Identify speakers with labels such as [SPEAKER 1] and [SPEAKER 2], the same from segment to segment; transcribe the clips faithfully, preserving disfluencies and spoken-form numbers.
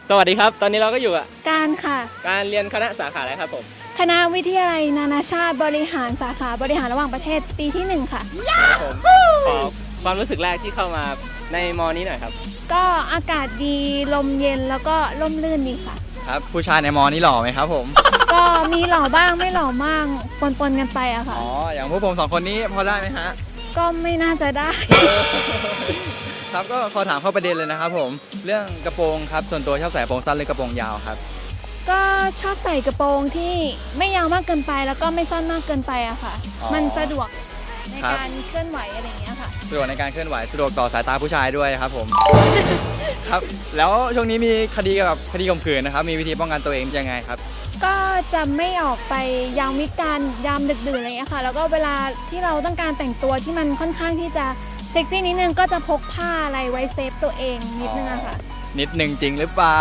[SPEAKER 1] สวัสดีครับตอนนี้เราก็อยู่กับ
[SPEAKER 2] การค่ะ
[SPEAKER 1] การเรียนคณะสาขาอะไรครับผม
[SPEAKER 2] คณะวิทยาลัยนานาชาติบริหารสาขาบริหารระหว่างประเทศปีที่หนึ่งค่ะ
[SPEAKER 1] ครับผมขอความรู้สึกแรกที่เข้ามาในมอนี้หน่อยครับ
[SPEAKER 2] ก็อากาศดีลมเย็นแล้วก็ร่มรื่นดีค่ะ
[SPEAKER 3] ครับผู้ชายในมอนี้หล่อไหมครับผม
[SPEAKER 2] ก็มีหล่อบ้างไม่หล่อมากปนๆกันไปอะค่ะ
[SPEAKER 3] อ๋ออย่างพวกผมสองคนนี้พอได้ไหมฮะ
[SPEAKER 2] ก็ไม่น่าจะได้
[SPEAKER 3] ครับก็ขอถามเข้าประเด็นเลยนะครับผมเรื่องกระโปรงครับส่วนตัวชอบใส่กระโปรงสั้นหรือกระโปรงยาวครับ
[SPEAKER 2] ก็ชอบใส่กระโปรงที่ไม่ยาวมากเกินไปแล้วก็ไม่สั้นมากเกินไปอะค่ะมันสะดวกในการเคลื่อนไหวอะไรอย่างเงี้ยค่ะ
[SPEAKER 3] สะดวกในการเคลื่อนไหวสะดวกต่อสายตาผู้ชายด้วยครับผมครับแล้วช่วงนี้มีคดีเกี่ยวกับคดีข่มขืนนะครับมีวิธีป้องกันตัวเองยังไงครับ
[SPEAKER 2] ก็จะไม่ออกไปยามวิกาลยามดึกดื่นอะไรอย่างเงี้ยค่ะแล้วก็เวลาที่เราต้องการแต่งตัวที่มันค่อนข้างที่จะเซ็กซี่นิดนึงก็จะพกผ้าอะไรไว้เซฟตัวเองนิดนึงอะค่ะ
[SPEAKER 3] นิดนึงจริงหรือเปล่า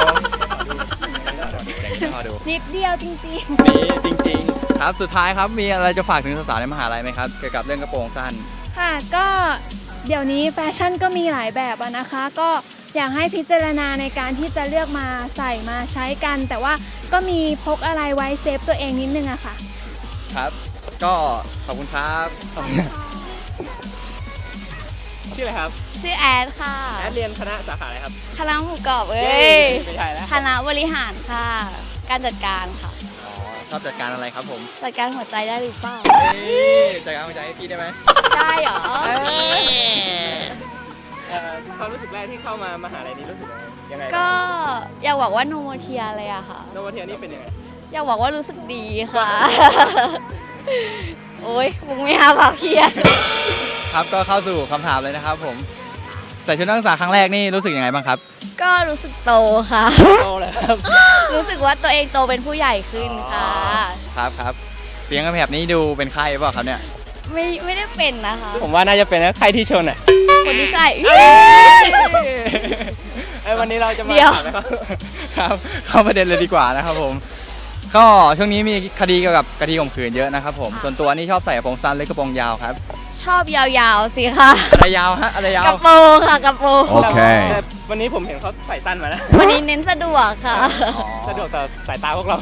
[SPEAKER 2] นิดเดียวจริงๆ
[SPEAKER 3] นี่จริงๆครับสุดท้ายครับมีอะไรจะฝากถึงสาวๆในมหาลัยไหมครับเกี่ยวกับเรื่องกระโปรงสั้น
[SPEAKER 2] ค่ะก็เดี๋ยวนี้แฟชั่นก็มีหลายแบบอะนะคะก็อยากให้พิจารณาในการที่จะเลือกมาใส่มาใช้กันแต่ว่าก็มีพกอะไรไว้เซฟตัวเองนิดนึงอะค่ะ
[SPEAKER 3] ครับก็ขอบคุณครับ
[SPEAKER 1] ชื่ออะไรครับ
[SPEAKER 4] ชื่อแอดค่ะ
[SPEAKER 1] แอดเรียนคณะสาขาอะไรครับ
[SPEAKER 4] คณะหมูกรอบเอ้ย
[SPEAKER 1] ไม่ใช่แล้ว
[SPEAKER 4] คณะบริหารค่ะการจัดการค่ะ
[SPEAKER 3] อ๋อชอบจัดการอะไรครับผม
[SPEAKER 4] จัดการหัวใจได้หรือเปล่า
[SPEAKER 3] จัดการหัวใจให้พี่ได้ไหม
[SPEAKER 4] ได้เหรอ
[SPEAKER 1] ความรู้สึกแรกที่เข้ามามหาลัยนี้รู้สึกยังไง
[SPEAKER 4] ก็อยากบอกว่าโนโมเทียเลยอะค่ะ
[SPEAKER 1] โนโมเทียนี่เป็นยังไง
[SPEAKER 4] อยากบอกว่ารู้สึกดีค่ะโอ้ยมึงไม่หาปากเพีย
[SPEAKER 3] ครับก็เข้าสู่คำถามเลยนะครับผมใส่ชุดนักศึกษาครั้งแรกนี่รู้สึกยังไงบ้างครับ
[SPEAKER 4] ก็รู้สึกโตค่ะ
[SPEAKER 1] โตเลยครับ
[SPEAKER 4] รู้สึกว่าตัวเองโตเป็นผู้ใหญ่ขึ้นค่ะ
[SPEAKER 3] ครับครับเสียงแบบนี้ดูเป็นใครเปล่าครับเนี่ย
[SPEAKER 4] ไม่ไม่ได้เป็นนะคะ
[SPEAKER 1] ผมว่าน่าจะเป็นนะใครที่ชนอ่ะ
[SPEAKER 4] คนที่ใส่
[SPEAKER 1] ไอ้วันนี้เราจะมาถามนะครับ
[SPEAKER 3] ครับเข้าประเด็นเลยดีกว่านะครับผมก็ช่วงนี้มีคดีเกี่ยวกับคดีข่มขืนเยอะนะครับผมส่วนตัวนี่ชอบใส่กระโปรงสั้นหรือกระโปรงยาวครับ
[SPEAKER 4] ชอบยาวๆสิค่ะ
[SPEAKER 3] อะไรยาวฮะอะไรยาว
[SPEAKER 4] กระโปรงค่ะกระโปรง
[SPEAKER 3] โอเค
[SPEAKER 1] วันนี้ผมเห็นเขาใส่สั้นมาแล้ว
[SPEAKER 4] วันนี้เน้นสะดวกค่ะ
[SPEAKER 1] สะดวกต่อสายตาพวกเรา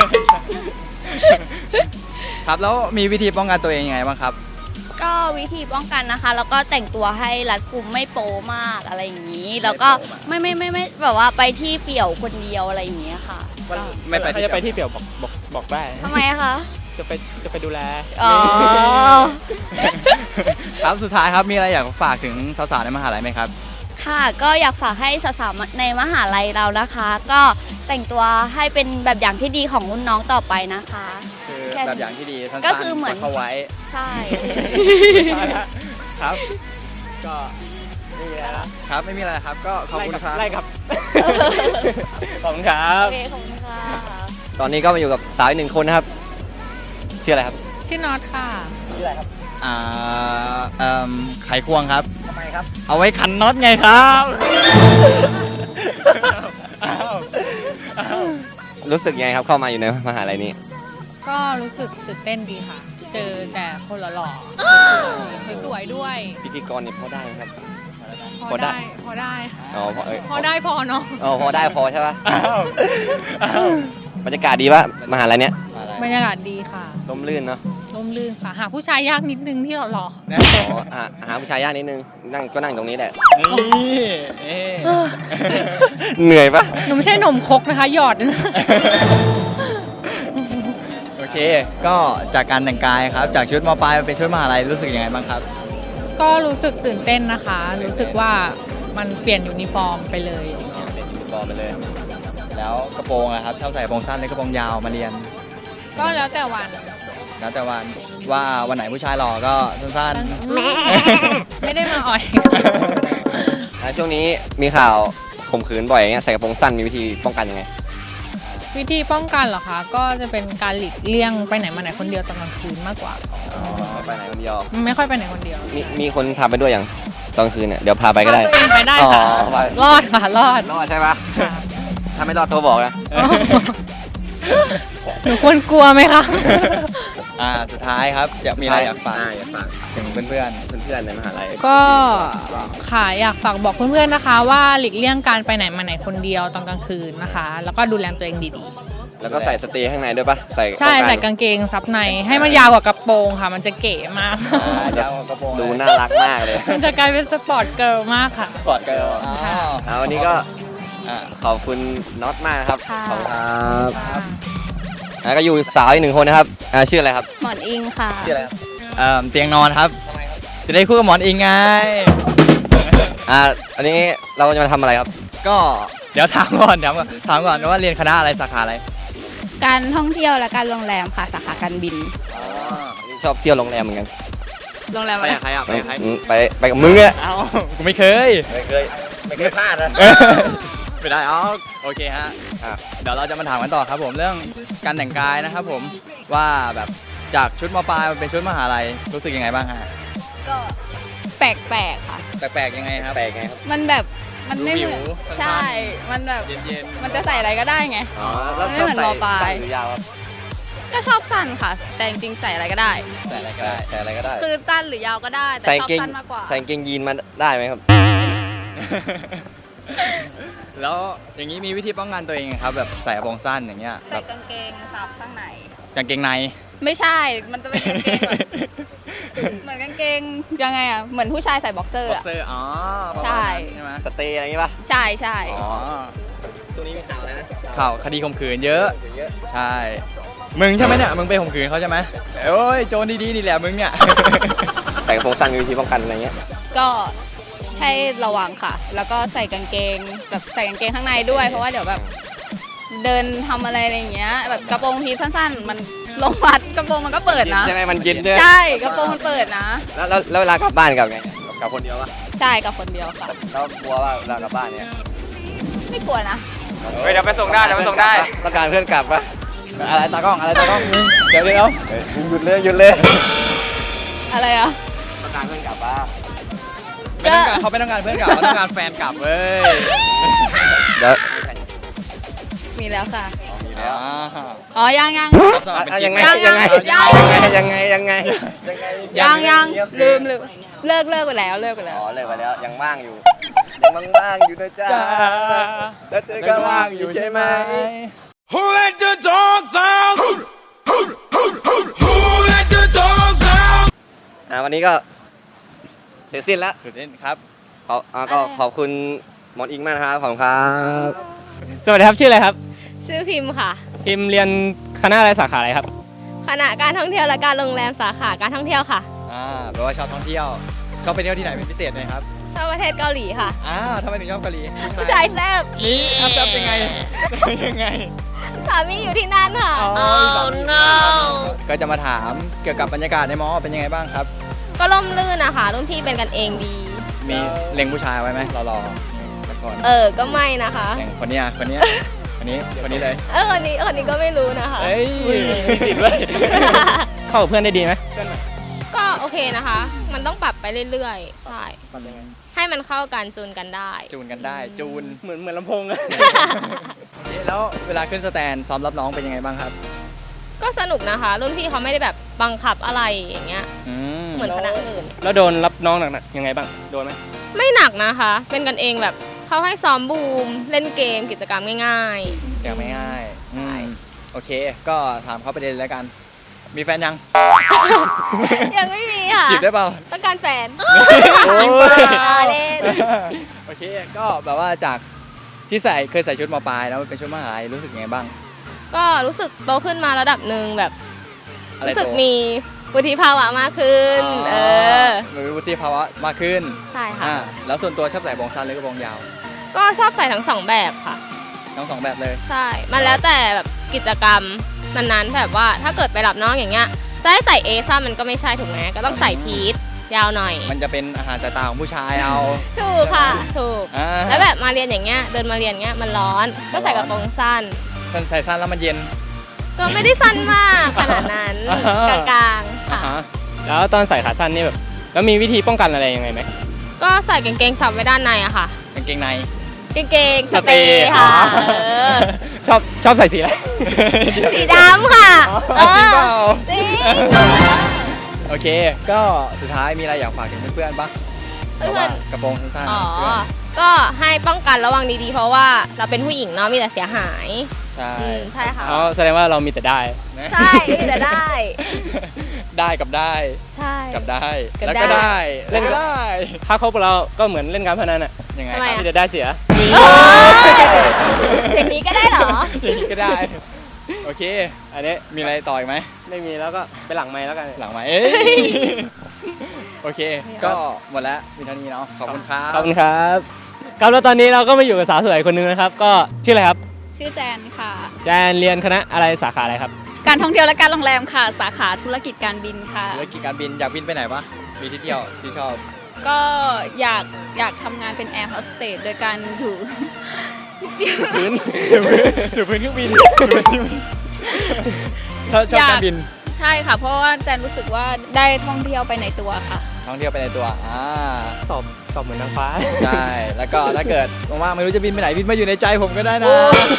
[SPEAKER 3] ครับแล้วมีวิธีป้องกันตัวเองยังไงบ้างครับ
[SPEAKER 4] ก็วิธีป้องกันนะคะแล้วก็แต่งตัวให้รัดกุมไม่โป๊มากอะไรอย่างนี้แล้วก็ไม่ไม่ไม่ไม่แบบว่าไปที่เปี่ยวคนเดียวอะไรอย่างเงี้ยค่ะ
[SPEAKER 1] ไม่ไปจะไปที่เปี่ยวบอกบอกบอกได้
[SPEAKER 4] ทำไมคะ
[SPEAKER 1] จะไปจะไปดูแล
[SPEAKER 4] อ๋อ
[SPEAKER 3] ครับสุดท้ายครับมีอะไรอยากฝากถึงสาวๆในมหาลัยไหมครับ
[SPEAKER 4] ค่ะก็อยากฝากให้สาวๆในมหาลัยเรานะคะก็แต่งตัวให้เป็นแบบอย่างที่ดีของรุ่นน้องต่อไปนะคะ
[SPEAKER 3] คือแบบอย่างที่ดี
[SPEAKER 4] ก็คือเหมือน
[SPEAKER 3] เขาไว้
[SPEAKER 4] ใช่
[SPEAKER 3] ครับ
[SPEAKER 1] ก็ไม่มีอะไร
[SPEAKER 3] ครับไม่มีอะไรครับก็ขอบคุณครับ
[SPEAKER 1] ไล่ครับขอบคุณครับ
[SPEAKER 4] โอเคขอบคุณค่ะ
[SPEAKER 5] ตอนนี้ก็มาอยู่กับสาวอีกหนึ่งคนนะครับชื่ออะไรครับ
[SPEAKER 6] ชื่อน็อตค่ะ
[SPEAKER 1] ชื่ออะไรครับ
[SPEAKER 3] อ่าเอ่อไขควงครับ
[SPEAKER 1] ทำไมครับ
[SPEAKER 3] เอาไว้ขันน็อตไงครับ
[SPEAKER 5] รู้สึกยังไงครับเข้ามาอยู่ในมหาลัยนี้
[SPEAKER 6] ก็รู้สึกตื่นเต้นดีค่ะเจอแต่คนหล่อๆสวยๆด้วย
[SPEAKER 5] พิธีกรนี่พอได้ครับ
[SPEAKER 6] พอได้พอได้
[SPEAKER 5] อ๋อพอเออ
[SPEAKER 6] พอได้พอเนาะ
[SPEAKER 5] อ๋อพอได้พอใช่ป่ะบรรยากาศดีป่ะมหาลัยเนี้ย
[SPEAKER 6] บรรยากาศดีค่ะ
[SPEAKER 5] ร่มรื่นเนาะ
[SPEAKER 6] ร่มรื่นค่ะหาผู้ชายยากนิดนึงที่หล่อ
[SPEAKER 5] ๆอ๋อหาผู้ชายยากนิดนึงนั่งก็นั่งตรงนี้แหละเหนื่อยป่ะ
[SPEAKER 6] หนูไม่ใช่หนมคกนะคะหยอด
[SPEAKER 3] โอเคก็จากการแต่งกายครับจากชุดม.ปลายเป็นชุดมหาลัยรู้สึกยังไงบ้างครับ
[SPEAKER 6] ก็รู้สึกตื่นเต้นนะคะรู้สึกว่ามันเปลี่ยนยูนิฟอร์มไปเลย
[SPEAKER 5] เปลี่ยนยูนิฟอร์มไปเลย
[SPEAKER 3] แล้วกระโปรงนะครับชอบใส่กระโปรงสั้นหรือกระโปรงยาวมาเรียน
[SPEAKER 6] ก็แล้วแต่วัน
[SPEAKER 3] แล้วแต่วันว่าวันไหนผู้ชายหล่อก็สั้น
[SPEAKER 6] ๆไม่ได้มาอ่อย
[SPEAKER 5] ช่วงนี้มีข่าวข่มขืนบ่อยอย่างเงี้ยใส่กระโปรงสั้นมีวิธีป้องกันยังไง
[SPEAKER 6] วิธีป้องกันเหรอคะก็จะเป็นการหลีกเลี่ยงไปไหนมาไหนคนเดียวตอนกลางคืนมากกว่า
[SPEAKER 5] อ๋อไปไหนคนเดียว
[SPEAKER 6] ไม่ค่อยไปไหนคนเดียว
[SPEAKER 5] มีมีคนพาไปด้วยอย่างตอนกลางคืนเนี่ยเดี๋ยวพาไปก็ได้
[SPEAKER 6] ไปได้ค่ะรอดค่ะรอด
[SPEAKER 5] รอดใช่ปะถ้าไม่รอดโทรบอกนะ
[SPEAKER 6] หนูควรกลัวไหมคะ
[SPEAKER 3] อ่าสุดท้ายครับอยากมีอะไรอยากฝาก
[SPEAKER 5] อ่อยากฝาก
[SPEAKER 3] ถึงเพื่อน
[SPEAKER 5] เพื่อนๆในมหาลัย
[SPEAKER 6] ก็ค่ะอยากฝากบอกเพื่อนๆนะคะ ว่าหลีกเลี่ยงการไปไหนมาไหนคนเดียวตอนกลางคืนนะคะ แล้วก็ดูแลตัวเองดี
[SPEAKER 5] แล้วก็ใส่สเตย์ข้างในด้วยปะใส่
[SPEAKER 6] ๆ ใช่ใส่กางเกงซับในให้มันยาวกว่ากระโปรงค่ะ มันจะเก๋มาก
[SPEAKER 3] ๆอ่าเดี๋ยวกระโปรง
[SPEAKER 5] ดูน่ารักมากเลย
[SPEAKER 6] มันจะกลายเป็นสปอร์ตเกิร์ลมากค่ะ
[SPEAKER 3] สปอร์ตเกิร์ลอ๋อ
[SPEAKER 5] อ่าวันนี้ก็
[SPEAKER 3] อ่า
[SPEAKER 5] ขอบคุณน็อตมากนะครับ
[SPEAKER 4] ค่ะ
[SPEAKER 5] ขอบคุณครับแล้วก็อยู่สาวอีกหนึ่งคนนะครับอ่าชื่ออะไรครับ
[SPEAKER 4] หมอนอิงค่ะ
[SPEAKER 5] ชื่ออะไรครับ
[SPEAKER 3] เอ่อเตียงนอนครับจะได้คู่กับหมอนอิงไง
[SPEAKER 5] อ่าอันนี้เราจะมาทำอะไรครับ
[SPEAKER 3] ก็เดี๋ยวถามก่อนถามก่อนถามก่อนว่าเรียนคณะอะไรสาขาอะไร
[SPEAKER 4] การท่องเที่ยวและการโรงแรมค่ะสาขาการบิน
[SPEAKER 3] อ๋อ
[SPEAKER 5] นี่ชอบเที่ยวโรงแรมเหมือนกัน
[SPEAKER 4] โรงแรม
[SPEAKER 3] ไป
[SPEAKER 4] อะไร
[SPEAKER 3] กับใครอ่ะไปกับใคร
[SPEAKER 5] อืมไปไปกับมึงอะ
[SPEAKER 3] เอ้ากูไม่เคย
[SPEAKER 5] ไม่เคยไม่เคยพลาดนะ
[SPEAKER 3] ไม่ได้อ๋อโอเคฮะอ่ะเดี๋ยวเราจะมาถามกันต่อครับผมเรื่องการแต่งกายนะครับผมว่าแบบจากชุดมปลายมันเป็นชุดมหาลัยรู้สึกยังไงบ้างฮะ
[SPEAKER 4] ก็แปลกๆค่ะ
[SPEAKER 3] แปลกๆยังไงครับ
[SPEAKER 5] แปลกไงครับ
[SPEAKER 4] มันแบบมันไม่เหมือน
[SPEAKER 3] ดูวิวสั้นๆ
[SPEAKER 4] ใช่ มันแบบ
[SPEAKER 3] เย็นๆ
[SPEAKER 4] มันจะใส่อะไรก็ได้ไง
[SPEAKER 5] อ๋อแล้ว
[SPEAKER 4] ไม่เหมือน
[SPEAKER 5] ชอบ
[SPEAKER 4] มปลาย
[SPEAKER 5] ใส่สั้นหรือยาวครับ
[SPEAKER 4] ก็ชอบสั้นค่ะ แต่จริงๆใส่อะไรก็ได้
[SPEAKER 3] ใส่อะไรก็
[SPEAKER 5] ได้
[SPEAKER 3] ได้
[SPEAKER 5] ใส่อะไรก็ได้
[SPEAKER 4] คือสั้นหรือยาวก็ได้ แต่
[SPEAKER 5] ใส่
[SPEAKER 4] ชอบ
[SPEAKER 5] เกง
[SPEAKER 4] สั้นมากกว่า
[SPEAKER 5] ใส่เกงยีนมาได้ไหมครับ
[SPEAKER 3] แล้วอย่างนี้มีวิธีป้องกันตัวเองไงครับแบบใส่กระโปรงสั้นอย่างเงี้ยแบ
[SPEAKER 4] ใส่
[SPEAKER 3] บ
[SPEAKER 4] กางเกงซับข้างใน
[SPEAKER 3] กางเกงใน
[SPEAKER 4] ไม่ใช่ มันจะเป็นกางเกงแบบเหมือนกางเกงยังไงอ่ะ เหมือนผู้ชายใส่บ็อกเซอร์
[SPEAKER 3] บ็อก
[SPEAKER 4] อ่ะ
[SPEAKER 3] เซอร์อ๋อประ
[SPEAKER 4] ใช่
[SPEAKER 3] มาณนั้นใช่ไหม
[SPEAKER 5] สเตย์อะไรอย่างงี้ป่ะ
[SPEAKER 4] ใช่ใช่
[SPEAKER 3] อ๋อ
[SPEAKER 5] ตัวนี้มีข่าวอะไรนะ
[SPEAKER 3] ข่าวคดีข่มขืนเยอะ
[SPEAKER 5] เยอะ
[SPEAKER 3] ใช่ มึงใช่ไหมเนี่ย มึงไปข่มขืนเขาใช่ไหมโอ้ย โจรดีๆนี่แหละมึงเนี่ย
[SPEAKER 5] ใส่กระโปรงสั้นมีวิธีป้องกันอะไรเงี้ย
[SPEAKER 4] ก็ให้ระวังค่ะ แล้วก็ใส่กางเกงแบบใส่กางเกงข้างในด้วย เพราะว่าเดี๋ยวแบบเดินทำอะไรอะไรอย่างเงี้ย แบบกระโปรงทีสั้นๆ มันลงวัดกระโปรงมันก็เปิดนะ
[SPEAKER 5] ใช่ไหมมันเย็นใช่ไหม
[SPEAKER 4] ใช่กระโปรงมันเปิดนะ
[SPEAKER 5] แล้วแล้วแล้วเวลากลับบ้านกลับไงกลับคนเดียวป่ะ
[SPEAKER 4] ใช่กับคนเดียวค่ะ
[SPEAKER 5] แล้วกลัวว่าเวลากลับบ้านเนี่ย
[SPEAKER 4] ไม่กลัวนะ
[SPEAKER 1] เฮ้ยเดี๋ยวไปส่งได้เดี๋ยวไปส่งได้
[SPEAKER 5] ต้องการเพื่อนกลับป่ะ
[SPEAKER 3] อะไรตากล้อง อะไรตากล้องมึงเดี๋ยวเดี๋ยว
[SPEAKER 5] เฮ้ยหยุดเลยหยุดเลย
[SPEAKER 4] อะไรอ่ะ
[SPEAKER 5] ต้องการเพื่อนกลับป่ะ
[SPEAKER 3] ไม่ต้องการเขาไม่ต้องการเพื่อนกลับเขาต้องการแฟนกลับเว้ย
[SPEAKER 5] เดี๋ยว
[SPEAKER 4] มีแล้วค่ะ
[SPEAKER 3] อ๋อ
[SPEAKER 4] อ๋อ ยังยัง
[SPEAKER 3] รับสมัครเป็น
[SPEAKER 5] อ่ะยังไง
[SPEAKER 3] กิ๊ก
[SPEAKER 5] ยังไง
[SPEAKER 4] ยัง
[SPEAKER 5] ยังไงยังไงยังไงยังไง
[SPEAKER 4] ยังยังลืมลืมเลิกเลิกไปแล้วเลิกไปแล้ว
[SPEAKER 5] อ๋อเลยไปแล้วยังว่างอยู่ยังว่างๆอยู่นะจ๊ะ
[SPEAKER 3] จ้า
[SPEAKER 5] แล้วเธอก็ว่างอยู่ใช่ไหม
[SPEAKER 7] Who let the dogs out? Who, who, who, who, who let the dogs out?
[SPEAKER 5] อ่าวันนี้ก็เสร็จสิ้นแล้ว
[SPEAKER 3] สุดเด่นครับ
[SPEAKER 5] ขออ่าก็ขอบคุณหมอนอิงมากนะครับขอบคุณครับ
[SPEAKER 1] สวัสดีครับชื่ออะไรครับ
[SPEAKER 8] ชื่อพิมพ์ค่ะ
[SPEAKER 1] พิมพ์เรียนคณะอะไรสาขาอะไรครับ
[SPEAKER 8] คณะการท่องเที่ยวและการโรงแรมสาขาการท่องเที่ยวค่ะ
[SPEAKER 3] อ่าแปลว่าชอบท่องเที่ยว ชอบไปเที่ยวที่ไหนเป็นพิเศษไหมครับ
[SPEAKER 8] ชอบประเทศเกาหลีค่ะ
[SPEAKER 3] อ้าวทำไมถึงชอบเกาหลี
[SPEAKER 8] ผู้ชายแซ่บ
[SPEAKER 3] นี่อัพซับยังไง ยังไง
[SPEAKER 8] สามีอยู่ที่นั่นค่ะ
[SPEAKER 3] อ๋อมีสามีก็จะมาถามเกี่ยวกับบรรยากาศในมอเป็นยังไงบ้างครับ
[SPEAKER 8] ก็ร่มรื่นนะคะรุ่นพี่เป็นกันเองดี
[SPEAKER 3] มีเล็งผู้ชายไว้ไหมรอรอๆสักคน
[SPEAKER 8] เออ ก็ไม่นะคะ
[SPEAKER 3] เล็งคนเนี้ยคนเนี้ยคนนี้คนนี้เลย
[SPEAKER 8] เออคนนี้คนนี้ก็ไม่รู้นะคะ
[SPEAKER 3] เอ้ย
[SPEAKER 1] มีสิทธิ์ด้วย เข้ากับเพื่อนได้ดีไหม
[SPEAKER 8] ก็โอเคนะคะ มันต้องปรับไปเรื่อยๆ ใช่
[SPEAKER 3] มันยังไง
[SPEAKER 8] ให้มันเข้ากันจูนกันได้
[SPEAKER 3] จูนกันได้จูน
[SPEAKER 1] เหมือนเหมือนลำโพงอะ
[SPEAKER 3] แล้วเวลาขึ้นสแตนซ้อมรับน้องเป็นยังไงบ้างครับ
[SPEAKER 8] ก็สนุกนะคะ รุ่นพี่เขาไม่ได้แบบบังคับอะไรอย่างเงี้ย
[SPEAKER 3] อืม
[SPEAKER 8] เหมือนคณะอื่น
[SPEAKER 1] แล้วโดนรับน้องหนักๆยังไงบ้าง โดนไหม
[SPEAKER 8] ไม่หนักนะคะ เป็นกันเองแบบเขาให้ซ้อมบูม เล่นเกมกิจกรรมง่ายๆ
[SPEAKER 3] ยังไม่ง่ายอืม
[SPEAKER 8] ใช่
[SPEAKER 3] โอเค ก็ถามเข้าประเด็นเลยแล้วกัน มีแฟนยัง
[SPEAKER 8] ยังไม่มีค่ะ
[SPEAKER 3] จีบได้เปล่า
[SPEAKER 8] ต้องการแฟน
[SPEAKER 3] จริงเปล่า
[SPEAKER 8] อ่าเล่น
[SPEAKER 3] โอเค ก็แบบว่าจากที่ใส่เคยใส่ชุดมปลายแล้วเป็นชุดมหาลัยรู้สึกยังไงบ้าง
[SPEAKER 8] ก็รู้สึกโตขึ้นมาระดับหนึ่งแบบ
[SPEAKER 3] อะไร
[SPEAKER 8] รู้สึก
[SPEAKER 3] โต
[SPEAKER 8] มีวุฒิภาวะมากขึ้น เออ
[SPEAKER 3] มีวุฒิภาวะมากขึ้น
[SPEAKER 8] ใช่ค่ะ
[SPEAKER 3] อ่าแล้วส่วนตัวชอบใส่กระโปรงสั้นหรือกระโปรงยาว
[SPEAKER 8] ก็ชอบใส่ทั้งสองแบบค่ะ
[SPEAKER 3] ทั้งสองแบบเลย
[SPEAKER 8] ใช่ มันแล้วแต่แบบกิจกรรมนั้นๆแบบว่าถ้าเกิดไปรับน้องอย่างเงี้ย จะให้ใส่เอซ่ามันก็ไม่ใช่ถูกไหมก็ต้องใส่พีทยาวหน่อย
[SPEAKER 3] มันจะเป็นอาหารสายตาของผู้ชายเอา
[SPEAKER 8] ถูกค่ะ ถูก
[SPEAKER 3] อ่า
[SPEAKER 8] แล้วแบบมาเรียนอย่างเงี้ย เดินมาเรียนเงี้ยมันร้อน ก็ใส่กระโปรงสั้น
[SPEAKER 3] สั้นใส่สั้นแล้วมันเย็น
[SPEAKER 8] ก็ไม่ได้สั้นมากขนาดนั้น
[SPEAKER 3] อ่าก
[SPEAKER 8] ลางๆ
[SPEAKER 3] อ่า
[SPEAKER 8] ค่ะ
[SPEAKER 3] ฮะ
[SPEAKER 1] แล้วตอนใส่ขาสั้นนี่แบบ แล้วมีวิธีป้องกันอะไรยังไงไหม
[SPEAKER 8] ก็ใส่กางเกงซับไว้ด้านในอะค่ะ
[SPEAKER 3] กางเกงใน
[SPEAKER 8] กางเกงสเปรย์ค่ะ
[SPEAKER 3] อ๋อ
[SPEAKER 8] เออ
[SPEAKER 1] ชอบชอบใส่สีอะไร
[SPEAKER 8] สีดำค่ะ
[SPEAKER 3] เอาจริงเปล่า
[SPEAKER 8] จริง
[SPEAKER 3] โอเค ก็สุดท้ายมีอะไรอยากฝากถึงเพื่อนๆปะ
[SPEAKER 8] เพื่อนๆ
[SPEAKER 3] พราะว่ากระโปรงสั้น
[SPEAKER 8] อ๋อ
[SPEAKER 3] ๆเพื่อน
[SPEAKER 8] ก็ให้ป้องกันระวังดีๆ เพราะว่าเราเป็นผู้หญิงเนาะมีแต่เสียหาย
[SPEAKER 3] ใช่
[SPEAKER 8] อืมใช่ค่ะ
[SPEAKER 1] อ๋อแสดงว่าเรามีแต่ได้
[SPEAKER 3] นะ
[SPEAKER 8] ใช่มีแต่ได้
[SPEAKER 3] ได้กับได้
[SPEAKER 8] ใช่
[SPEAKER 3] กับได้
[SPEAKER 8] กับ
[SPEAKER 3] แล้ว
[SPEAKER 8] ได้
[SPEAKER 3] ก็ได้
[SPEAKER 1] เล่
[SPEAKER 3] แล้ว
[SPEAKER 1] น
[SPEAKER 3] ก็ได้
[SPEAKER 1] ถ้าคบกับเราก็เหมือนเล่นการพนันอ่ะ
[SPEAKER 3] ยังไง
[SPEAKER 8] ทำไม
[SPEAKER 3] ครับ
[SPEAKER 1] มีแต่ได้เสีย
[SPEAKER 8] โอ้ยอย่างนี้ก็ได้เหรอ
[SPEAKER 3] อย่างนี้ก็ได้ โอเค
[SPEAKER 1] อันนี้
[SPEAKER 3] มีอะไรต่ออีกไหม
[SPEAKER 1] ไม่มีแล้วก็ไปหลังไม้แล้วกัน
[SPEAKER 3] หลังไหมเอ้ยโอเค ก็หมดแล้วมีเท่านี้เนาะขอบคุณครับ
[SPEAKER 1] ขอบคุณครับครับแล้วตอนนี้เราก็มาอยู่กับสาวสวยคนหนึงนะครับ ก็ชื่ออะไรครับ
[SPEAKER 4] ชื่อแจนค่ะ
[SPEAKER 1] แจนเรียนคณะอะไรสาขาอะไรครับ
[SPEAKER 4] การท่องเที่ยวและการโรงแรมค่ะ สาขาธุรกิจการบินค่ะ
[SPEAKER 3] ธุรกิจการบินอยากบินไปไหนปะมีที่เที่ยวที่ชอบ
[SPEAKER 4] ก็อยากอยากทำงานเป็นแอร์โฮสเตสโดยการอยู่
[SPEAKER 1] พื้น
[SPEAKER 3] อยู่พื้นเครื่องบินถ้าชอบการบิน
[SPEAKER 4] ใช่ค่ะ เพราะว่าแจนรู้สึกว่าได้ท่องเที่ยวไปในตัวค่ะ
[SPEAKER 3] ท่องเที่ยวไปในตัวอ่า
[SPEAKER 1] ตอบตอบเหมือนนางฟ้า
[SPEAKER 3] ใช่ แล้วก็ถ้าเกิดว่างๆไม่รู้จะบินไปไหนบินมาอยู่ในใจผมก็ได้นะ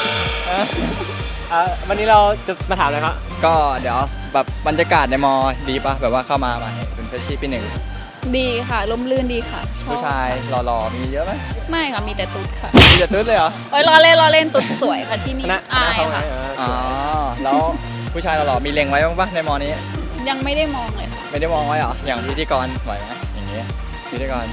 [SPEAKER 1] อ่ะวันนี้เราจะมาถามอะไรครับ
[SPEAKER 3] ก็เดี๋ยวแบบบรรยากาศในมอดีปะแบบว่าเข้ามาใหม่เป็นเฟรชชี่ปีหนึ่ง
[SPEAKER 4] ดีค่ะร่มรื่นดีค่ะชอบ
[SPEAKER 3] ผู้ชายหล่อๆมีเยอะไหม
[SPEAKER 4] ไม่ค่ะมีแต่ตุ๊ดค่ะ
[SPEAKER 3] มีแต่ตุ๊ดเลยเหรอ
[SPEAKER 4] โอ้ยล้อเล่นล้อเล่นตุ๊ดสวยค่ะที่
[SPEAKER 1] ค
[SPEAKER 4] นี่
[SPEAKER 1] ณะค
[SPEAKER 4] อา
[SPEAKER 1] ณะ
[SPEAKER 4] ย
[SPEAKER 1] เขาไง
[SPEAKER 4] ค่ะ
[SPEAKER 1] เออ
[SPEAKER 3] อ๋อแล้วผู้ชายหล่อๆมีเล็งไว้บ้างปะในมอนี้
[SPEAKER 4] ยังไม่ได้มองเลยค่ะ
[SPEAKER 3] ไม่ได้มองไว้เหรออย่างพิธีกรไหวไหมอย่างเงี้ยพิธีกร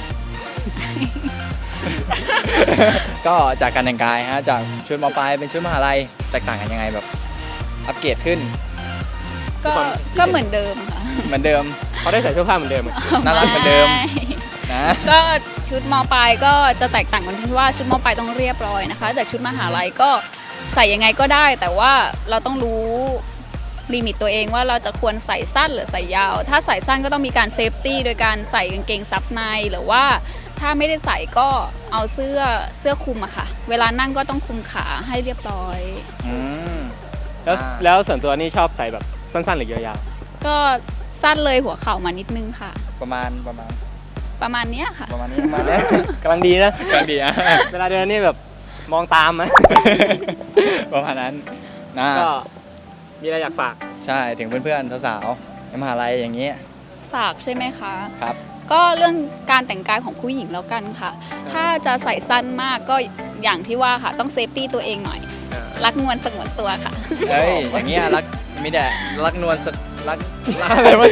[SPEAKER 3] ก็จากการแต่งกายฮะจากชุดมปลายเป็นชุดมหาลัยแตกต่างกันยังไงแบบอัปเกรดขึ้น
[SPEAKER 4] ก็ก็เหมือนเดิมค่ะ
[SPEAKER 3] เหมือนเดิม
[SPEAKER 1] เขาได้ใส่เสื้อผ้าเหมือนเดิมอะ
[SPEAKER 3] น่ารักเหมือนเดิม
[SPEAKER 4] ไ
[SPEAKER 3] นะ
[SPEAKER 4] ก็ชุดมปลายก็จะแตกต่างกันที่ว่าชุดมปลายต้องเรียบร้อยนะคะ แต่ชุดมหาลัยก็ใส่ยังไงก็ได้ แต่ว่าเราต้องรู้ลิมิตตัวเองว่าเราจะควรใส่สั้นหรือใส่ยาว ถ้าใส่สั้นก็ต้องมีการเซฟตี้โดยการใส่กางเกงซับในหรือว่าถ้าไม่ได้ใส่ก็เอาเสื้อเสื้อคลุมอะค่ะ เวลานั่งก็ต้องคลุมขาให้เรียบร้อย
[SPEAKER 3] อืม
[SPEAKER 1] แล้ว
[SPEAKER 3] อ่า
[SPEAKER 1] แล้วส่วนตัวนี่ชอบใส่แบบสั้นๆหรือยาว
[SPEAKER 4] ก็สั้นเลยหัวเข่ามานิดนึงค่ะ
[SPEAKER 3] ประมาณประมาณ
[SPEAKER 4] ประมาณเนี้ยค่ะ
[SPEAKER 3] ประมาณนี้ประมาณนี้
[SPEAKER 1] ๆกำลังดีนะ
[SPEAKER 3] กำลังดีอะ
[SPEAKER 1] เวลาเดินนี่แบบมองตามไหม
[SPEAKER 3] ประมาณนั้นนะ
[SPEAKER 1] ก็มีอะไรอยากฝาก
[SPEAKER 3] ใช่ถึงเพื่อนๆสาวๆในมหาลัยอย่างนี้
[SPEAKER 4] ฝากใช่ไหมคะ
[SPEAKER 3] ครับ
[SPEAKER 4] ก็เรื่องการแต่งกายของผู้หญิงแล้วกันค่ะ ถ้าจะใส่สั้นมากก็อย่างที่ว่าค่ะ ต้องเซฟตี้ตัวเองหน่อย รักงวนสงวนตัวค่ะ
[SPEAKER 3] เอ้ยอย่างเงี้ยรักมีแต่รักนวลสรัก
[SPEAKER 1] อะไรวะ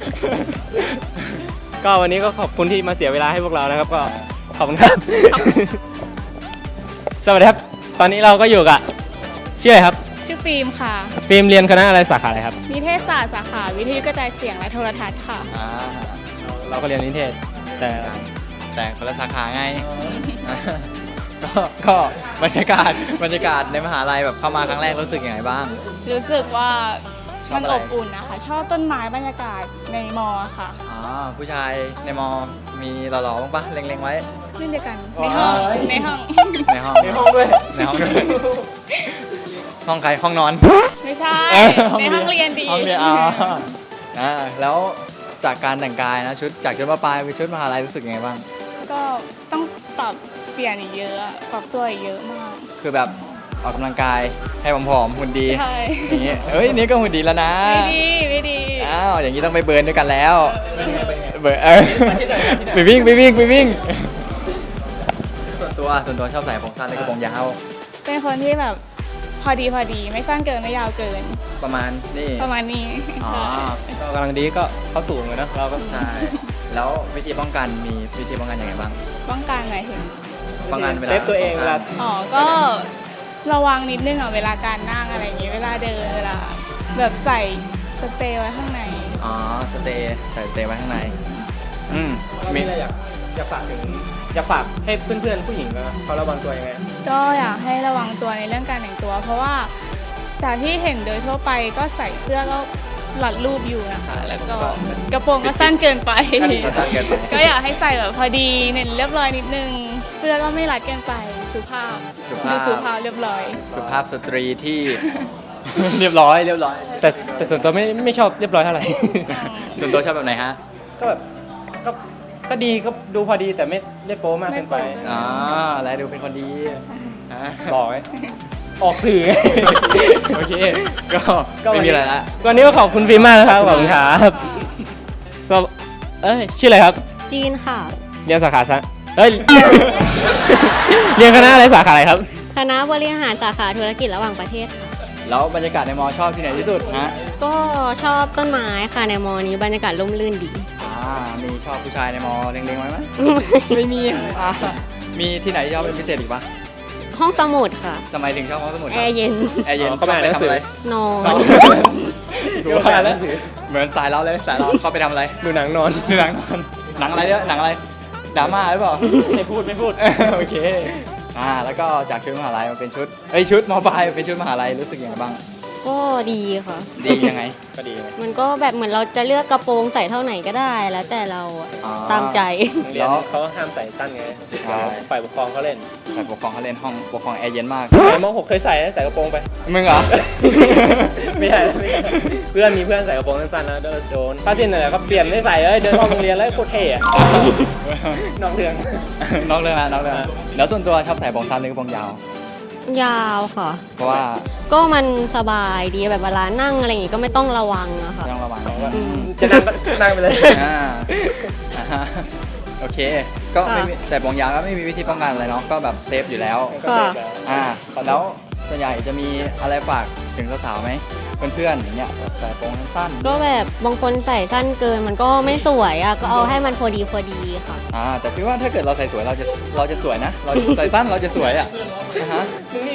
[SPEAKER 1] ก็วันนี้ก็ขอบคุณที่มาเสียเวลาให้พวกเรานะครับ ก็ขอบคุณครับ สวัสดีครับ ตอนนี้เราก็อยู่กับชื่ออะไรครับ
[SPEAKER 9] ชื่อฟิล์มค่ะ
[SPEAKER 1] ฟิล์มเรียนคณะอะไรสาขาอะไรครับ
[SPEAKER 9] นิเทศศาสตร์สาขาวิทยุกระจายเสียงและโทรทัศน์ค่ะ
[SPEAKER 3] อ่า
[SPEAKER 1] เราก็เรียนนิเทศ แต่
[SPEAKER 3] แต่คนละสาขาไง ก็ก็บรรยากาศบรรยากาศในมหาลัยแบบเข้ามาครั้งแรกรู้สึกยังไงบ้าง
[SPEAKER 9] รู้สึกว่า
[SPEAKER 3] ชอบ
[SPEAKER 9] มัน
[SPEAKER 3] อะไร
[SPEAKER 9] อบอุ่นนะคะ ชอบต้นไม้บรรยากาศในมอค่ะ
[SPEAKER 3] อ๋อผู้ชายในมอมีหล่อๆบ้างปะเล็งๆไว้
[SPEAKER 9] เล่นเดียวกัน ในห้อง
[SPEAKER 1] ว้าย
[SPEAKER 9] ในห้อง
[SPEAKER 3] ในห้อง
[SPEAKER 1] ในห้องด้วย
[SPEAKER 3] ในห้องด้วยห้องใครห้องนอน
[SPEAKER 9] ไม่ใช่
[SPEAKER 3] เอ้ย
[SPEAKER 9] ในห้องเรียนดี
[SPEAKER 3] ห้องเรียนอ๋ออ่าแล้วจากการแต่งกายนะชุดจากชุดมปลายไปชุดมหาลัยรู้สึกยังไงบ้าง
[SPEAKER 9] ก็ต้องปรับเปลี่ยนอีกเยอะอะปรับตัวอีกเยอะมาก
[SPEAKER 3] คือแบบออกกำลังกายให้ผอมๆหุ่นดี
[SPEAKER 9] ใช่
[SPEAKER 3] อย่างงี้เอ้ยนี่ก็หุ่นดีแล้วนะ
[SPEAKER 9] ไม่ดีไม่ดี
[SPEAKER 3] อ้าวอย่างนี้ต้องไปเบิร์นด้วยกันแล้วเบิร์นเออไปวิ่งไปวิ่งไปวิ่งส่วนตัวส่วนตัวชอบใส่ผมสั้นและกระโปรงยาว
[SPEAKER 9] เป็นคนที่แบบพอดีพอดีไม่สั้นเกินไม่ยาวเกิน
[SPEAKER 3] ประมาณนี่
[SPEAKER 9] ประมาณนี้
[SPEAKER 3] อ๋อ
[SPEAKER 1] ก็กำลังดีก็เข้าสูงเลยนะเราก็
[SPEAKER 3] ใช่แล้ววิธีป้องกันมีวิธีป้องกันยังไงบ้าง
[SPEAKER 9] ป้องกันหมายถึง
[SPEAKER 3] ป้องกันเวลา
[SPEAKER 1] เซฟตัวเองเวลา
[SPEAKER 9] อ๋อ ก็ระวังนิดนึงอ่ะเวลาการนั่งอะไรอย่างงี้ เวลาเดิน เวลาแบบใส่สเตย์ไว้ข้างใน
[SPEAKER 3] อ๋อสเตย์ใส่สเตย์ไว้ข้างในอืม
[SPEAKER 1] มี
[SPEAKER 3] มี
[SPEAKER 1] อะไรอยากอยากฝากถึงอยากฝากให้เพื่อนๆผู้หญิงนะเขาระวังตัวยังไง
[SPEAKER 9] ก็อยากให้ระวังตัวในเรื่องการแต่งตัว เพราะว่าจากที่เห็นโดยทั่วไปก็ใส่เสื้อก็หลัดรูปอยู่นะคะ แล้วก็กระโปรงก็สั้นเกินไป
[SPEAKER 3] ก็สั้นเกินไป
[SPEAKER 9] ก็อยากให้ใส่แบบพอดีเน้นเรียบร้อยนิดนึง เสื้อก็ไม่รัดเกินไปสุภาพ
[SPEAKER 3] สุ
[SPEAKER 9] ดู
[SPEAKER 3] ภาพ
[SPEAKER 9] สุภาพเรียบร้อย
[SPEAKER 3] สุภาพสตรีที่ เรียบร้อยเรียบร้อย
[SPEAKER 1] แต่แต่ส่วนตัวไม่ไม่ชอบเรียบร้อยเท่าไหร่
[SPEAKER 3] ส่วนตัวชอบแบบไหนฮะ
[SPEAKER 1] ก็แบบก็ก็ดีก็ดูพอดีแต่ไม่ได้โป๊มากเกินไป
[SPEAKER 9] ไม่โป๊
[SPEAKER 3] อ๋ออะไรดูเป็นคนดีฮะ
[SPEAKER 1] บอกไหมออกสื่อ
[SPEAKER 3] โอเค ก็ไม่มีอะไรละ
[SPEAKER 1] วันนี้ก็ขอบคุณฟิล์มมากนะครับขอบคุณครับสวเอ้ยชื่ออะไรครับ
[SPEAKER 8] จีนค่ะ
[SPEAKER 1] เรียนสาขาซะเอ้ย เรียนคณะอะไรสาขาอะไรครับ
[SPEAKER 8] คณะบริหารสาขาธุรกิจระหว่างประเทศค่ะ
[SPEAKER 3] แล้วบรรยากาศในมอชอบที่ไหนที่สุดฮะ
[SPEAKER 8] ก็ชอบต้นไม้ค่ะในมอนี้บรรยากาศร่มรื่นดี
[SPEAKER 3] อ่ามีชอบผู้ชายในมอเล็งๆไว้ไหม ไม่มีอ่ามีที่ไหนที่ชอบเป็นพิเศษอีกปะ
[SPEAKER 8] ห้องสมุดค่ะ
[SPEAKER 3] ทำไมถึงชอบห้องสมุดค
[SPEAKER 8] แอ
[SPEAKER 3] รับ
[SPEAKER 8] ร์เย็น
[SPEAKER 3] แอร์เย็น
[SPEAKER 1] อ๋อเข้าไปอ่านหนังสือ
[SPEAKER 3] ทำอะไร
[SPEAKER 8] นอน
[SPEAKER 3] ดูว่าแล้วเหมือนสายเราเลยสายเราเข้าไปทำอะไร
[SPEAKER 1] ดูหนังนอน
[SPEAKER 3] ดูหนังนอนหนังอะไรเนี่ยหนังอะไรดราม่าหรือเปล่า
[SPEAKER 1] ไม่พูดไม่พูด
[SPEAKER 3] โอเคอ่าแล้วก็จากชุดมหาลัยมาเป็นชุดเอ้ยชุดมปลายเป็นชุดมหาลัยรู้สึกยังไงบ้าง
[SPEAKER 8] ก็ดีค่ะ
[SPEAKER 3] ดียังไง
[SPEAKER 1] ก็ดีไหม
[SPEAKER 8] มันก็แบบเหมือนเราจะเลือกกระโปรงใส่เท่าไหนก็ได้ แล้วแต่เราอะ
[SPEAKER 3] อ๋อ
[SPEAKER 8] ตามใจ
[SPEAKER 1] เรียนเขาห้ามใส่สั้นไง
[SPEAKER 3] ใช่
[SPEAKER 1] ฝ่ายปกครองเขาเล่น
[SPEAKER 3] ฝ่ายปกครองเขาเล่นห้องปกครองแอร์เย็นมาก
[SPEAKER 1] ในม .หก เคยใส่ใส่กระโปรงไป
[SPEAKER 3] มึงเหรอ
[SPEAKER 1] ไม่ใช่ไม่ใช่เพื่อนมีเพื่อนใส่กระโปรงสั้นๆนะโดนผ้าสิ้นอะไรก็เปลี่ยนไม่ใส่เลยเดินรอบโรงเรียนแล้วโคตรเท่อะนอกเรื่อง
[SPEAKER 3] นอกเรื่องละนอกเรื่องละแล้วส่วนตัวชอบใส่กระโปรงสั้นหรือกระโปรงยาว
[SPEAKER 8] ยาวค่ะ
[SPEAKER 3] เพราะว่า
[SPEAKER 8] ก็มันสบายดีแบบเวลานั่งอะไรอย่างงี้ก็ไม่ต้องระวังอะค่ะ
[SPEAKER 3] ไม่ต้องระวัง
[SPEAKER 8] อืม
[SPEAKER 1] จะนั่งก็นั่งไปเลย
[SPEAKER 3] อ่าอ่าฮะโอเค ก็ไม่มีใส่กระโปรงยาวก็ไม่มีวิธีป้องกันอะไรเนาะก็แบบเซฟอยู่แล้ว
[SPEAKER 8] ค่ะ
[SPEAKER 3] อ่าแล้วส่วนใหญ่จะมีอะไรฝากถึงสาวๆไหมเพื่อนๆอย่างเงี้ยแบบใส่กระโปรงสั้นๆ
[SPEAKER 8] ก็แบบบางคนใส่สั้นเกินมันก็ไม่สวยอะก็เอาให้มันพอดีพอดีค่ะ
[SPEAKER 3] อ่าแต่พี่ว่าถ้าเกิดเราใส่สวยเราจะเราจะสวยนะ เราใส่สั้นเราจะสวยอ่ะอ่าฮะ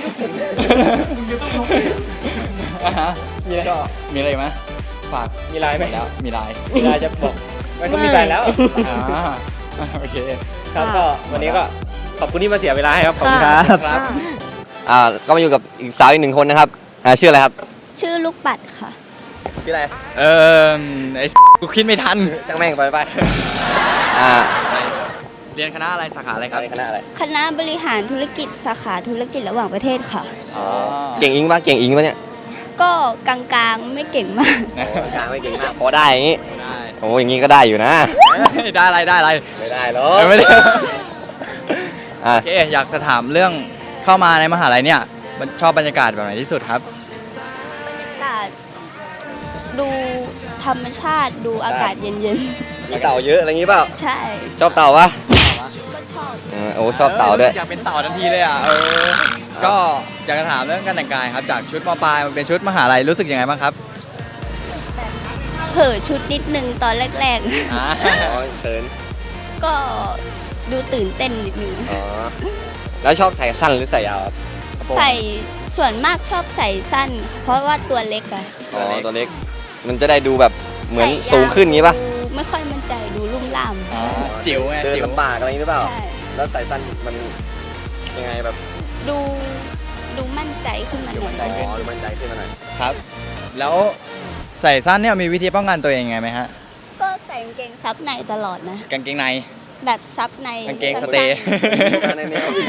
[SPEAKER 3] อ่าฮะ
[SPEAKER 1] มีอะไร
[SPEAKER 3] ก็มีอะไรอีกไหมฝาก
[SPEAKER 1] มีลายไหม
[SPEAKER 3] แล้วมีลาย
[SPEAKER 1] มีลายจะบอกมันก็มีลายแล้ว
[SPEAKER 3] อ่าโอเค
[SPEAKER 1] ครับก็วันนี้ก็ขอบคุณที่มาเสียเวลาให้ครับขอบคุณครับ
[SPEAKER 3] ครับ
[SPEAKER 5] อ่าก็มาอยู่กับอีกสาวอีกหนึ่งคนนะครับอ่าชื่ออะไรครับ
[SPEAKER 4] ชื่อลูกปัดค่ะ
[SPEAKER 5] ชื่ออะไร
[SPEAKER 3] เออไอ้กูคิดไม่ทัน
[SPEAKER 5] จังแม่งไปไปอ่า
[SPEAKER 3] เรียนคณะอะไรสาขาอะไรครับ
[SPEAKER 5] คณะอะไร
[SPEAKER 4] คณะบริหารธุรกิจสาขาธุรกิจระหว่างประเทศค่ะ
[SPEAKER 3] อ๋อ
[SPEAKER 5] เก่งอิงปะเก่งอิงปะเนี่ย
[SPEAKER 4] ก็กลางๆไม่เก่งมาก
[SPEAKER 3] นะ
[SPEAKER 5] โอ้กลางไม่เก่งมากพอได้อย่างงี้
[SPEAKER 3] ได้
[SPEAKER 5] โอ้อย่างงี้ก็ได้อยู่นะ
[SPEAKER 3] ได้อะไรได้อะไร
[SPEAKER 5] ไม่ได้หรอ
[SPEAKER 3] เออไม่ได้
[SPEAKER 5] อ่า
[SPEAKER 3] โอเคอยากจะถามเรื่องเข้ามาในมหาลัยเนี่ยมันชอบบรรยากาศแบบไหนที่สุดครับ
[SPEAKER 4] อากาศดูธรรมชาติดูอากาศเย็น
[SPEAKER 5] มีเต่าเยอะอะไรอย่างงี้เปล่า
[SPEAKER 4] ๆ ใช่
[SPEAKER 5] ชอบเต่าปะเออโอ้ชอบเต่าด้วย
[SPEAKER 3] อยากเป็นเต่าทันทีเลยอ่ะเออก็อยากจะถามเรื่องการแต่งกายครับจากชุดมปลายมันเป็นชุดมหาลัยรู้สึกยังไงบ้างครับ
[SPEAKER 4] เผลอชุดนิดนึงตอนแรก
[SPEAKER 3] อ่า
[SPEAKER 5] อ๋อเขิน
[SPEAKER 4] ๆ ก็ดูตื่นเต้นนิดนึง
[SPEAKER 5] อ๋อแล้วชอบใส่สั้นหรือใส่ยาวครับ
[SPEAKER 4] ใส่ส่วนมากชอบใส่สั้นค่ะเพราะว่าตัวเล็กอะ
[SPEAKER 5] อ๋อตัวเล็กมันจะได้ดูแบบเหมือน
[SPEAKER 4] ใส่ยาว
[SPEAKER 5] สูงขึ้นงี้ปะ
[SPEAKER 4] ดูไม่ค่อยมั่นใจดูลุ่มล่าม
[SPEAKER 3] อ๋อจิ๋วไง
[SPEAKER 5] เดิน
[SPEAKER 3] จิ๋ว
[SPEAKER 5] ลำบากอะไรอย่างงี้หรือเปล่า
[SPEAKER 4] ใช่
[SPEAKER 5] แล้วใส่สั้นมันยังไงแบบ
[SPEAKER 4] ดูดูมั่นใจขึ้นมาหน่อย
[SPEAKER 5] อ๋อดูมั่นใจขึ้นมาหน่อย
[SPEAKER 3] ครับ แล้วใส่สั้นเนี่ยมีวิธีป้องกันตัวเองยังไงไหมฮะ
[SPEAKER 4] ก็ใส่กางเกงซับในตลอดนะ
[SPEAKER 3] กางเกงใน
[SPEAKER 4] แบบซับใน
[SPEAKER 3] กางเกงส
[SPEAKER 4] สั้นๆ
[SPEAKER 3] เตย์
[SPEAKER 5] ในแนว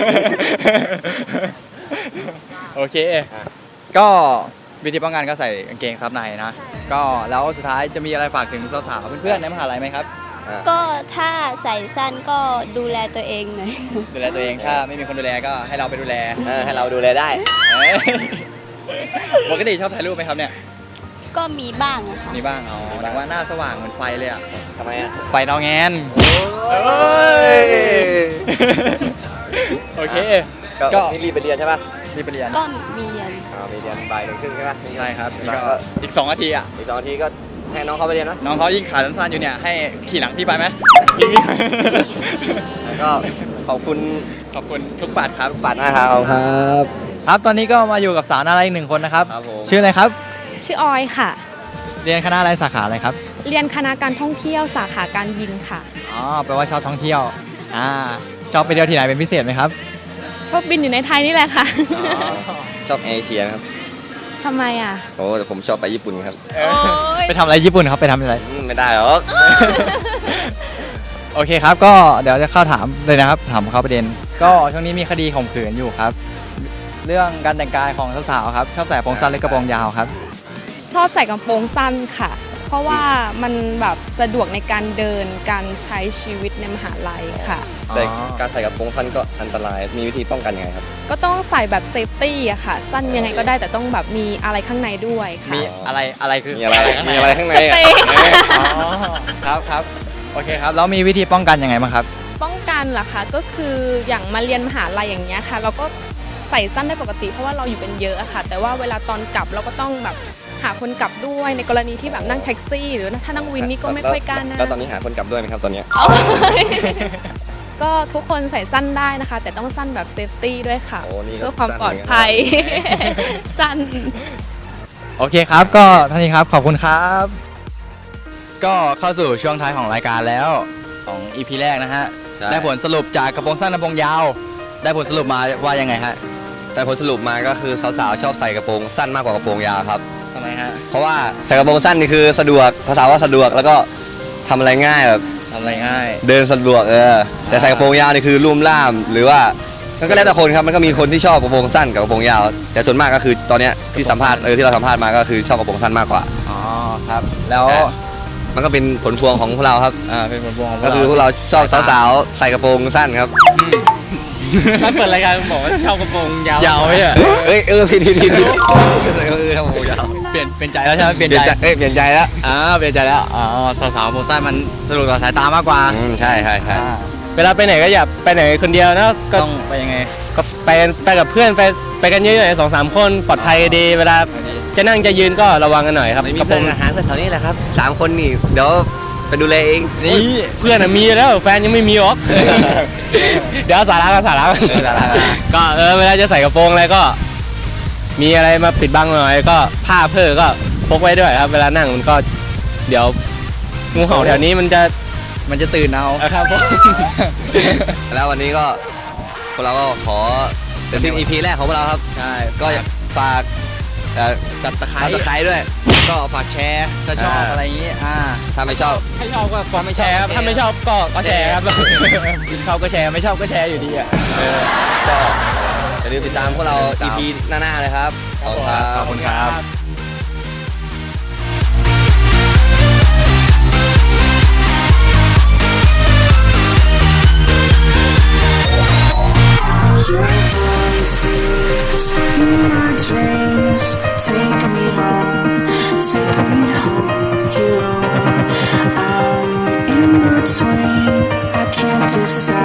[SPEAKER 3] โอเค ก็วิธีป้องกันก็ใส่กางเกงซับในนะ ก็แล้วสุดท้ายจะมีอะไรฝากถึงสาวๆเพื่อนๆในมหาลัยไหมครับ
[SPEAKER 4] ก็ถ้าใส่สั้นก็ดูแลตัวเองหน่อย
[SPEAKER 3] ดูแลตัวเองถ้าไม่มีคนดูแลก็ให้เราไปดูแล
[SPEAKER 5] เออให้เราดูแลได้
[SPEAKER 3] เอ้ยปกติชอบถ่ายรูปไหมครับเนี่ย
[SPEAKER 4] ก็มีบ้างอะค่ะ
[SPEAKER 3] มีบ้างอ๋อแต่ว่าหน้าสว่างเหมือนไฟเลยอะ
[SPEAKER 5] ทำไมอ่ะ
[SPEAKER 3] ไฟดาวแงน
[SPEAKER 5] โอ้
[SPEAKER 3] ย
[SPEAKER 5] ย
[SPEAKER 3] โอเค
[SPEAKER 5] ก็
[SPEAKER 3] ก็
[SPEAKER 5] นี่รีบไปเรียนใช่ป่ะ
[SPEAKER 3] รีบไปเรียน
[SPEAKER 4] ก็มีเรียน
[SPEAKER 5] อ๋อมีเรียนบ่ายหนึ่งครึ่งใช่ป่ะ
[SPEAKER 3] ใช่ครับนี่
[SPEAKER 5] แล้ว
[SPEAKER 3] ก็
[SPEAKER 5] ก็
[SPEAKER 3] อีกสองนาทีอะ
[SPEAKER 5] อีกสองนาทีก็ให้น้องเขาไปเรียนเนาะ
[SPEAKER 3] น้องเขายิ่งขาสั้นๆอยู่เนี่ยให้ขี่หลังพี่ไปไหม
[SPEAKER 5] แล้วก็ขอบคุณ
[SPEAKER 3] ขอบคุณทุกบาทครับ
[SPEAKER 5] ปัดนะครับครับ
[SPEAKER 3] ครับตอนนี้ก็มาอยู่กับสาวน่ารักอีกหนึ่งคนนะครับ
[SPEAKER 5] ครับผม
[SPEAKER 3] ชื่ออะไรครับ
[SPEAKER 6] ชื่อออยค่ะ
[SPEAKER 3] เรียนคณะอะไรสาขาอะไรครับ
[SPEAKER 6] เรียนคณะการท่องเที่ยวสาขาการบินค่ะ
[SPEAKER 3] อ๋อแปลว่าชอบท่องเที่ยวอ่าชอบไปเที่ยวที่ไหนเป็นพิเศษไหมครับ
[SPEAKER 6] ชอบบินอยู่ในไทยนี่แหละค่ะ
[SPEAKER 5] ชอบเอเชียนะครับ
[SPEAKER 6] ทำไมอ่ะ
[SPEAKER 5] โอ้แต่ผมชอบไปญี่ปุ่นครับ
[SPEAKER 3] เออไปทำอะไรญี่ปุ่นครับไปทำอะไร
[SPEAKER 5] อืมไม่ได้หรอก
[SPEAKER 3] โอเคครับก็เดี๋ยวจะเข้าถามเลยนะครับถามเข้าประเด็น ก็ช่วงนี้มีคดีข่มขืนอยู่ครับ เรื่องการแต่งกายของสาวๆครับชอบใส่กระโปรงสั้นหรือกระโปรงยาวครับ
[SPEAKER 6] ชอบใส่กระโปรงสั้นค่ะ
[SPEAKER 3] อ
[SPEAKER 10] เพราะว่ามันแบบสะดวกในการเดินการใช้ชีวิตในมหาลัยค่ะ
[SPEAKER 5] แต่การใส่กระโปรงสั้นก็อันตราย มีวิธีป้องกันยังไงครับ
[SPEAKER 10] ก็ต้องใส่แบบเซฟตี้อะค่ะ สั้นยังไงก็ได้แต่ต้องแบบมีอะไรข้างในด้วยค่ะ
[SPEAKER 3] มีอะไรอะไรคือ
[SPEAKER 5] มีอะไร มีอะไรข้างในอะ
[SPEAKER 3] อ๋อครับครับโอเคครับแล้วมีวิธีป้องกันยังไงบ้างครับ
[SPEAKER 10] ป้องกันเหรอคะก็คืออย่างมาเรียนมหาลัยอย่างเงี้ยค่ะ เราก็ใส่สั้นได้ปกติเพราะว่าเราอยู่กันเยอะอะค่ะ แต่ว่าเวลาตอนกลับเราก็ต้องแบบหาคนกลับด้วยในกรณีที่แบบนั่งแท็กซี่ หรือถ้านั่งวินนี่ก็ไม่ค่อยกล้านั่ง
[SPEAKER 5] แล้วตอนนี้หาคนกลับด้วยไหมครับตอนเนี้ย
[SPEAKER 10] ก็ทุกคนใส่สั้นได้นะคะ แต่ต้องสั้นแบบเซฟตี้ด้วยค่ะ
[SPEAKER 5] โอ้นี่ก็
[SPEAKER 10] เพื่อความ
[SPEAKER 5] สั้น
[SPEAKER 10] ปลอดภัย สั้น
[SPEAKER 3] โอเคครับก็ท่านนี้ครับขอบคุณครับ ก็เข้าสู่ช่วงท้ายของรายการแล้วของ อี พี แรกนะฮะ
[SPEAKER 5] ใช่
[SPEAKER 3] ได้ผลสรุปจากกระโปรงสั้นกระโปรงยาว ได้ผลสรุปมาว่ายังไงฮะ
[SPEAKER 5] แต่ผลสรุปมาก็คือสาวๆชอบใส่กระโปรงสั้นมากกว่ากระโปรงยาวครับ
[SPEAKER 3] ทำไมฮะ
[SPEAKER 5] เพราะว่าใส่กระโปรงสั้นนี่คือสะดวกภาษาว่าสะดวกแล้วก็ทำอะไรง่ายแบบ
[SPEAKER 3] ทำอะไรง่าย
[SPEAKER 5] เดินสะดวกเออแต่ใส่กระโปรงยาวนี่คือลุ่มล่าม หรือว่าก็แล้วแต่คนครับมันก็มีคนที่ชอบกระโปรงสั้นกับกระโปรงยาว แต่ส่วนมากก็คือตอนเนี้ยที่สัมภาษณ์เออที่เราสัมภาษณ์มาก็คือชอบกระโปรงสั้นมากกว่า
[SPEAKER 3] อ๋อครับ แล้ว
[SPEAKER 5] มันก็เป็นผลพวงของพวกเราครับ
[SPEAKER 3] อ่าเป็นผลพวงของพว
[SPEAKER 5] ก็
[SPEAKER 3] กเรา
[SPEAKER 5] คือพวกเราชอบสาวๆใส่กระโปรงสั้นครับ
[SPEAKER 1] ถ้าเปิดรายการบอกว่าชอบกระโปรงยาวย
[SPEAKER 3] าวไหมอ่ะ
[SPEAKER 5] เอ้ยเออผิดผิดผิดผิดเออทำกระโปรงยาว
[SPEAKER 3] เปลี่ยนเปลี่ยนใจแล้วใช่ไหมเปลี่ยน
[SPEAKER 5] เปลี่ยน
[SPEAKER 3] ใจ
[SPEAKER 5] ใจเอ้ยเปลี่ยนใจแล้ว
[SPEAKER 3] อ่าเปลี่ยนใจแล้วอ๋อสาวๆกระโปรงสั้นมันสะดวกต่อสายตามากกว่า
[SPEAKER 5] อืมใช่ใช่ใช่
[SPEAKER 3] อ่า
[SPEAKER 1] เวลาไปไหนก็อย่าไปไหนคนเดียวนะก็
[SPEAKER 3] ต้องไปยังไง
[SPEAKER 1] ก็ไปไปกับเพื่อนไปไปกันเยอะๆสองสามคนปลอดภัยดี เวลาจะนั่งจะยืนก็ระวังกันหน่อยครับ
[SPEAKER 5] ไม่มี
[SPEAKER 1] กระโปร
[SPEAKER 5] เพื่อน
[SPEAKER 1] ง
[SPEAKER 5] อาหารกันแถวนี้แหละครับสามคนนี่เดี๋ยวไปดูแลเอง
[SPEAKER 3] นี่
[SPEAKER 1] เพื่อนอะมีแล้วแฟนยังไม่มีหรอก เดี๋ยวสาระกันสาระกัน
[SPEAKER 5] เออสาระกัน
[SPEAKER 1] ก็เออเวลาจะใส่กระโปรงอะไรก็ มีอะไรมาปิดบังหน่อยก็ผ้าเพื่อก็พกไว้ด้วยครับ เวลานั่งมันก็เดี๋ยวงูเห่าแถวนี้มันจะ
[SPEAKER 3] มันจะตื่นเอา
[SPEAKER 1] ครับผม
[SPEAKER 5] แล้ววันนี้ก็พวกเราก็ขอเป็นทีม อี พี แรกของพวกเราครับ
[SPEAKER 3] ใช่
[SPEAKER 5] ก็อยากฝากเอ่อ
[SPEAKER 3] สับตะไคร้
[SPEAKER 5] ซับสไครต์ด้วย
[SPEAKER 3] ก็ฝากแชร์ถ้าชอบ
[SPEAKER 5] อ่า
[SPEAKER 3] อะไรอย่างงี้อ่า
[SPEAKER 5] ถ้าไม่ชอบ
[SPEAKER 1] ถ้าชอบก็กดแชร์ครับถ้าไม่ชอบก็ก็แชร์ครับ
[SPEAKER 3] ชอบก็แชร์ไม่ชอบก็แชร์อยู่ดีอ่ะ
[SPEAKER 5] ก็อย่าลืมติดตามพวกเรา อี พี หน้าๆเลยครับ ขอบคุณครับ
[SPEAKER 3] ขอบคุณครับ
[SPEAKER 11] Your voices in my dreams. Take me home, take me home with you. I'm in between, I can't decide.